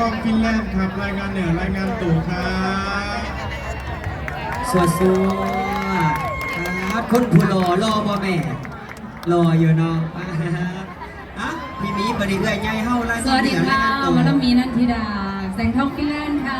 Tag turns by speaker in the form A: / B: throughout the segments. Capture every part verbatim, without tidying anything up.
A: องฟินแลนด์ครับรายงานเหนือรายงานตู่ครับ
B: สวัสดีครับคนผู้รอรอบ่แม่รออยู่เนาะอ่ะพี่มีบริเวณใหญ่เฮาแล้ว
C: สวัสดีค่ะมาลมีนันทิดาแสงทองฟินแลนด์ค่ะ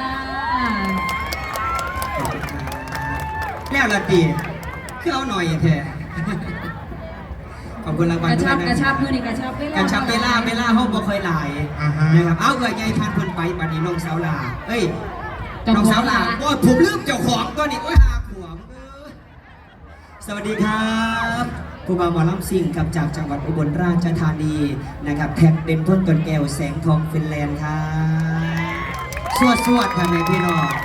B: แล้วละตีคือเอาหน่อยแท้ขอบคุณรางวัล
C: กระ
B: ด้วย
C: ชับ
B: นะ
C: กระชับมือนี่กระชับเวลาก
B: ระชับเวลาเวลาเฮาบ่ค่อยหลายนะครับเอาเกิดใหญ่พันเพิ่นไปบัดนี้น้องสาวลาเอ้ยน้องสาวลาโอ้ผมลืมเจ้าของตัวนี้โอ้ยหาขวมสวัสดีครับครูบาหมอลำซิ่งครับจากจังหวัดอุบลราชธานีนะครับแท็กเป็นต้นตนแก้วแสงทองฟินแลนด์ครับสวดสวดค่ะแม่พี่น้อง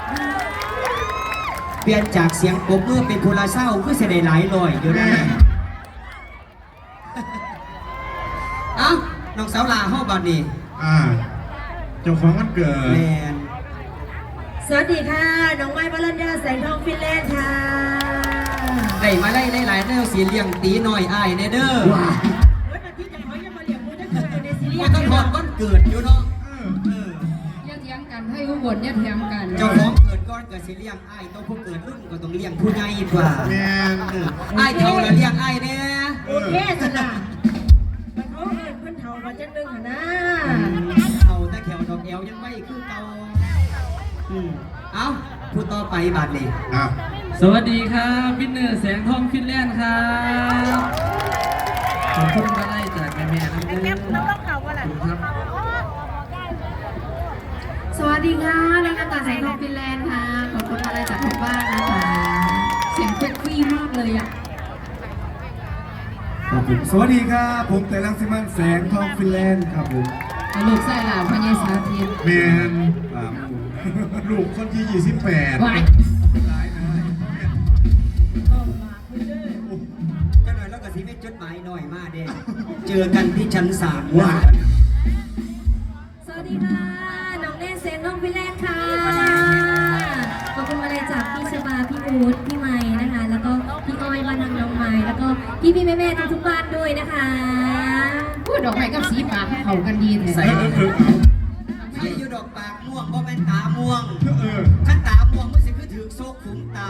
B: เปลี่ยนจากเสียงปรบมือเป็นพูลาเศร้าเพื่อเสด็จหลายลอยอยู่นะเอ้าน้องสาวลาห้องบัดนี้
A: อ่าเจ้าของวันเกิด
B: แมน
D: สวัสดีค่ะ น้องไม้บรัญญาแสงทองฟินแลนด์ค่ะ
B: ได้มาไล่ไล่หลายแนวสีเลี้ยงตีหน่อยอ้ายเนเด้อว้า
D: วันที่จะขอยังมาเลี้ยงมูจะเกิดในซีรีส์
B: ก็ต้องทอดก้อนเกิดอยู่เนาะ
C: อย่าเถียงกันให้อุบลอย่าเถียงกัน
B: เจ้าของเกิดก้อนเกิดสีเลี้ยงอ้ายต้องผู้เกิดรุ่นก็ต้องเลี้ยงผู้ใหญ่กว่า
A: แม่
B: อ้ายเท่าแล้วเลี้ยงอ้ายเนี่ย
D: โอเคสินะมันเขาเอิญเพิ่นเท่ามาจังนึงค่ะนะ
B: เท่าแต่แขวดอกแอวยังไม่คือเก่าเอ้าพูดต่อไปบาดเลย
E: สวัสดีครับวินเนอร์แสงทองฟินแลนด์ครับขอบคุณมาไล่จากแม่แม่น้ำเดือดครับ
C: สวัสดีค่ะรายการต่อแสงทองฟินแลนด์ค่ะขอบคุณอะไรจากทุกบ้านนะคะเสียงเซ็กซี่มากเลยอ่ะ
A: ขอบคุณสวัสดีครับผมแต่ลังสิมันแสงทองฟินแลนด์ครับผม
C: ลูกไส้หลานพญาสาธิต
A: แมนลูกคนที่ยี่สิบแปด
B: ก็หน่อยแล้วก็สีไม่จดหมายหน่อยมากเด้เจอกันที่ชั้นสามว่า
D: สวัสดีค่ะน้องเล่นแสงทองฟินแลนด์ค่ะขอบคุณอะไรจากพี่ชบาพี่อู๊ดพี่ไม้นะคะแล้วก็พี่อ้อยบ้านน้องน้องไม้แล้วก็พี่พี่แม่แม่ทุกทุกบ้านด้วยนะคะ
C: พูดดอกไม้กับสีปากเขากันดี
B: ใส่
C: แท้
B: ใส่อยู่ดอกปากม่วงเพราะเป็นตาม่วงถ้าตาม่วงมันสิคือถือโซกขุมตา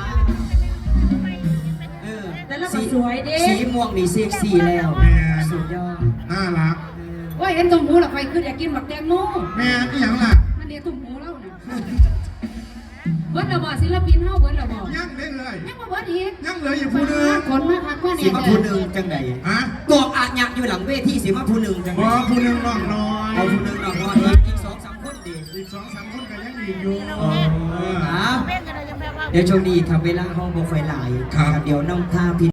B: เออ
D: แต่ละก็สวยดิ
B: สีม่วงนี่เซ็กซี่แล้วสุดยอด
A: น่ารัก
C: ว่าเห็นตุ่มหูหรอใครคืออยากกินบักแตงโม
A: แม่ที่ยังล่ะ
C: นั่นเดียวตุ่มหูเล่าเนี่ยเบิร์ดระบอศิลปินเฮาเบิร์ดระบอ
A: ยังได้เลย
C: ยังมาเบิร์ดอีก
A: ยังเหลืออยู่ผู้นึง
C: ขนมาคักว่าเนี่ย
B: สีมาผู้หนึ่งจังใดฮะกอกอาญะอยู่หลังเวทีสีมาผู้หนึ่งจังใด
A: ผู้นึงน้องน้อย
B: เอาผู้หนึ่งน้องน้อยอีกสองสามคนดี
A: อีกสองสามคนก็ยังดีอยู่
B: เดี๋ยวช่วงนี้ทำเวลาห้องโปรไฟล์ไลน์เดี๋ยวน้องท่าพิ